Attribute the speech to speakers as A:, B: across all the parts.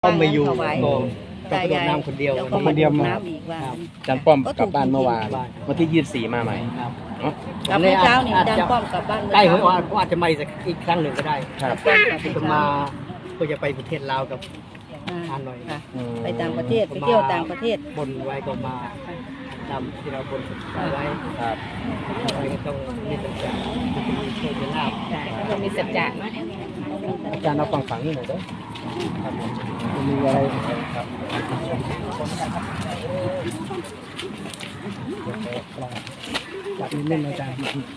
A: ก็ไม่อยู่ก็กระโดดน้ำคนเดียว
B: คนเดียวมา
C: อาจารย์ป้อมกลับบ้านเมื่อวานวันที่24มาใหม่
B: กลับเมื่อเช้านี่อาจารย์ป้อมกลับบ้าน
A: ใกล้หวยออกอาจจะมาอีกครั้งหนึ่งก็ได้
C: ครับ
A: จะมาก็จะไปประเทศลาวกับฮานอย
B: ไปต่างประเทศไปเที่ยวต่างประเทศ
A: บนไว้ก็มาตามที่เราบนไว้
C: ครับ
A: ก็ต้องมีสัจจะมีโชคมีลาภ
B: ต้องมีสัจจะ
C: อาจารย์เอาฝั่งนี่หน่อยเด้อครับผมมีอะไรครับจับนิ่มๆอาจารย์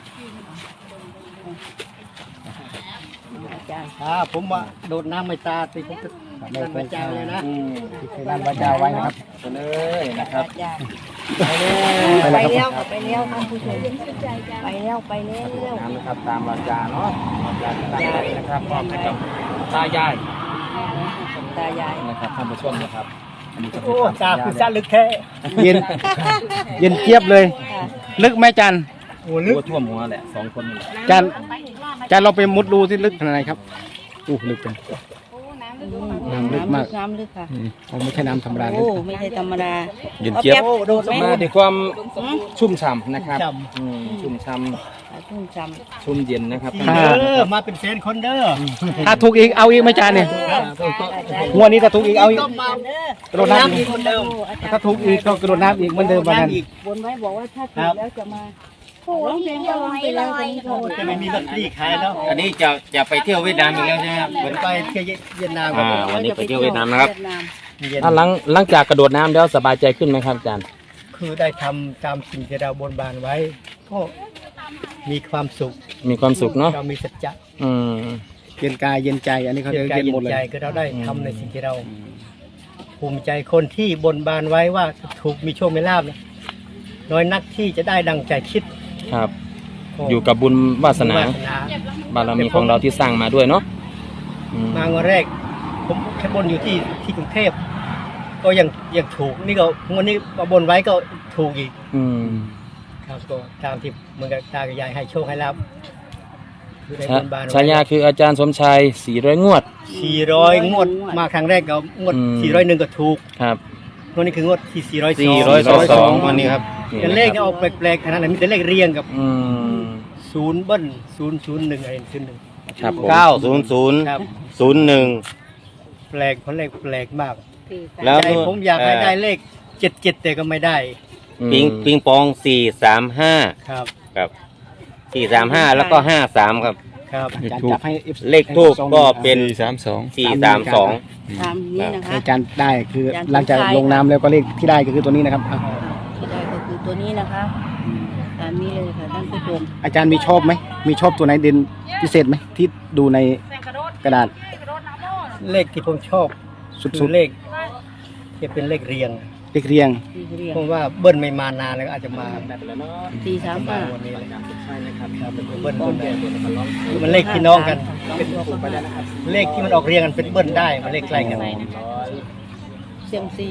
A: ผมว่าโดดน้ำไม่ตาติผมก็ไม่เจ้าเลยนะ
C: ที่ด้านวาจาไว้นะครับไปเลยนะครับ
B: ไปแล้วไปแล้วท่านผู้ชมไปแล้วไปแล้ว
C: น้ำนะครับตามวาจาเนาะวาจาตามใจนะครับมอบให้กับตายาย
B: ตายาย
C: นะครับท่านผู้ชมนะครับอันนี้ก็เป็
A: โอ้
C: น
A: ตาคือสั้นลึกแค่
D: เย็นเย็นเจี๊ยบเลย ลึกไหมจัน
A: โอ้ลึก
C: หัวท่วมหัวแหละ2 คนนี่แหละ
D: จันเราไปมุดดูที่ลึกขนาดไหนครับลึกจังน้ำลึกมาก
B: น้ำลึกค่ะ
D: ไม่ใช่น้ำธรรมดา
B: โอ้ไม่ใช่ธรรมดา
C: เย็นเจี๊ยบ
B: โดดไหม
C: มาด้วยความชุ่มฉ่ำนะครับชุ่มฉ่
B: ชุ่มฉ่
C: ำชุ่มเย็นนะครับ
A: มาเป็นแฟนคนเด้อ
D: ถ้าถูกอีกเอาอีกไหมจันเนี่ยงวดนี้ถ้าถูกอีกเอาอีก
A: ต้องมาก
D: ระโดดน้ำ
A: น้ำ
D: อี
A: อี
D: ก
A: กคนเดิม
D: ถ้าถูกอีกก็กระโดดน้ำอีกเหมือนเดิมวันนั้น
B: ำบนไว้บอกว่าถ้าถูกแล้วจะมาร้องเพลงก็ร้องไปแล้วตอนนี้โทร
A: จะไม่มีลอตเตอรี่ขายแล้ว
C: อันนี้จะไปเที่ยวเวียดนามอีกแล้วใช่ไหมครับ
A: เหมือนไปเที่ยวเวียดนาม
C: วันนี้ไปเที่ยวเวียดนามนะครับ
A: เย็น
C: ถ้าหลังจากกระโดดน้ำแล้วสบายใจขึ้นไหมครับอาจารย์
A: คือได้ทำตามสิ่งที่เราบนบานไว้ ก็มีความสุข
C: มีความสุขเนาะ
A: เรามีสัจจะ
C: อืม
D: เย็นกายเย็นใจอันนี้เขา
A: เย็
D: จะ
A: นกาย
D: เย็น
A: เย็
D: หมด
A: น
D: เลย
A: ใจก็เราได้ทำในสิ่งที่เรา ภูมิใจคนที่บนบานไว้ว่าถูกมีโชคมีลาภนะน้อยนักที่จะได้ดังใจคิด
C: ครับ อยู่กับบุญวาสนา บารมีของเราที่สร้างมาด้วยเนาะอืม
A: มาวันแรก ผมแค่บนอยู่ที่กรุงเทพก็ยังถูกนี่ก็วันนี้มาบนไว้ก็ถูกอีก
C: อืม
A: ครับก็ตามที่เหมือนกับตากับยายให้โชคให้ลาภคือได้บนบานไว้
C: ฉายาคืออาจารย์สมชัย400 งวด
A: 400 งวดมาครั้งแรกก็งวด
C: อืม
A: 401ก็ถูก
C: ครับ
A: งวดนี้คืองวดที่
C: 402
A: 402
C: วันนี้ครับ
A: แต่เลขเนี่ยออกแปลกๆขนาดนั้นมีแต่เลขเรียงกับ
C: อืม
A: ศูนย์เบิ้ล001อะไร01
C: ครับผม
E: 900
A: ครับ
E: 01
A: แปลกเพราะเลขแปลกมาก
E: แล้ว
A: ใจผมอยากให้ได้เลข77แต่ก็ไม่ได้
E: ปิงปอง435
A: ครับ
E: ครับ435แล้วก็53ครับ
A: ครับ
D: อาจารย์จับให้ FC
E: เลขทูปก็เป็น
D: 432
B: ตามนี้นะคะ
D: อาจารย์ได้คือหลังจากลงน้ำแล้วก็เลขที่ได้ก็คือตัวนี้นะครับอ่ะ
B: ที่ได้ก็คือตัวนี้นะคะตามนี้เลยค่ะท่านผู้ชม
D: อาจารย์มีชอบไหมมีชอบตัวไหนเด่นพิเศษไหมที่ดูในกระดาษ
A: เลขที่ผมชอบ
D: สุ
A: คื
D: ด
A: อเลขที่เป็นเลขเรียง
D: ๆเลขเรียง
B: ที่เรียก
A: ผมว่าเบิ้ลไม่มานานแล้วอาจจะมา
B: 435
A: วันนี้เลยครับเป็นเบิ้ลมันเลขพี่น้องกันเป็นเลขที่มันออกเรียงกันเป็นเบิ้ลได้มันเลขใกล้กัน
B: เซียมซี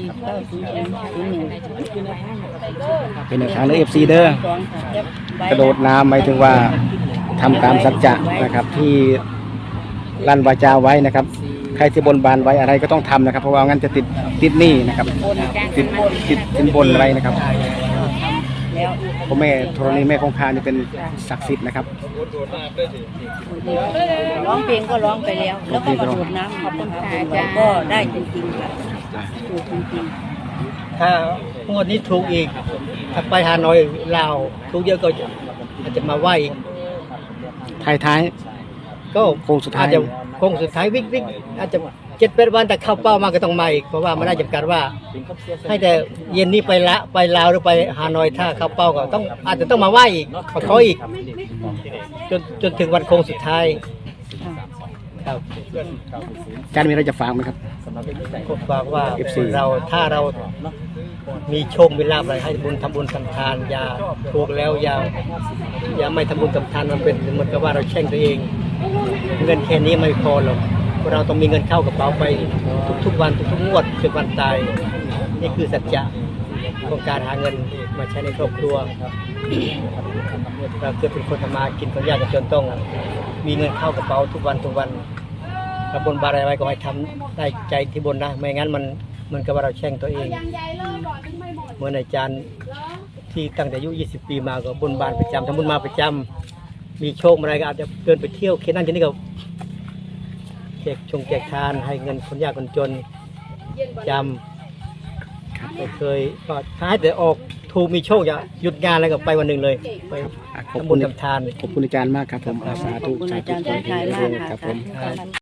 B: 900
D: เป็นแนวทางในFC เด้อกระโดดน้ำหมายถึงว่าทำตามสัจจะนะครับที่ลั่นวาจาไว้นะครับใครที่บนบานไว้อะไรก็ต้องทำนะครับ เพราะว่างั้นจะติดหนี้นะครับติดสินบนอะไรนะครับ
B: แล้ว
D: พ่อแม่ธรณีแม่คงคานี่เป็นศักดิ์สิทธิ์นะครับ
B: ร้องเพลงก็ร้องไปแล้ว แล้วก็มาดูดน้ำขอบคุณค่ะอาจารย์ก็ได้จริงๆค่ะถูกจริง
A: ถ้างวดนี้ถูกอีกถ้าไปฮานอยลาวถูกเยอะก็อาจจะมาไหวอีก
D: ท้าย
A: ก็
D: โค้งสุดท้าย
A: อาจจะโค้งสุดท้ายวิกอาจจะ7-8 วันแต่เข้าเป้ามาก็ต้องมาอีกเพราะว่ามันได้จำกัดว่า ให้แต่เย็นนี้ไปลาวหรือไปฮานอยถ้าเข้าเป้าก็ต้องอาจจะต้องมาไหวอีกมาขออีกจนถึงวันโค้งสุดท้ายครับ
D: ๆอาจารย์มีอะไรจะฝากไหมครับ
A: ผมบอกว่า
D: FC
A: เราถ้าเรามีโชคมีลาภอะไรให้บุญทำบุญทำทานอย่าถูกแล้วอย่าไม่ทำบุญทำทานมันเป็นเหมือนกับว่าเราแช่งตัวเอง เงินแค่นี้ไม่พอหรอกเราต้องมีเงินเข้ากระเป๋าไปทุกๆวันทุกๆงวดจนวันตายนี่คือสัจจะของการหาเงินมาใช้ในครอบครัวเราเกิดเป็นคนทำมากินคนยากจนต้องมีเงินเข้ากระเป๋าทุกวันถ้าบนบานอะไรไว้ก็ให้ทำได้ใจที่บนนะไม่งั้นมันก็ว่าเราแช่งตัวเองเหมือนอาจารย์ที่ตั้งแต่อายุ20 ปีมาก็บนบานประจำทำบุญมาประจำมีโชคอะไรก็อาจจะเดินไปเที่ยวแค่นั้นแค่นี้ก็แจกทานให้เงินคนยากคนจนจำไม่เคยก็ท้ายแต่ออกถูกมีโชคอย่าหยุดงานแล้วก็ไปวันหนึ่งเลยไปทำบุญทำทาน
D: ขอบคุณอาจารย์มากครับผมสาธุ
B: ขอบคุณอาจารย์สมชายมาก
D: ครับ
B: ค่ะ
D: ผม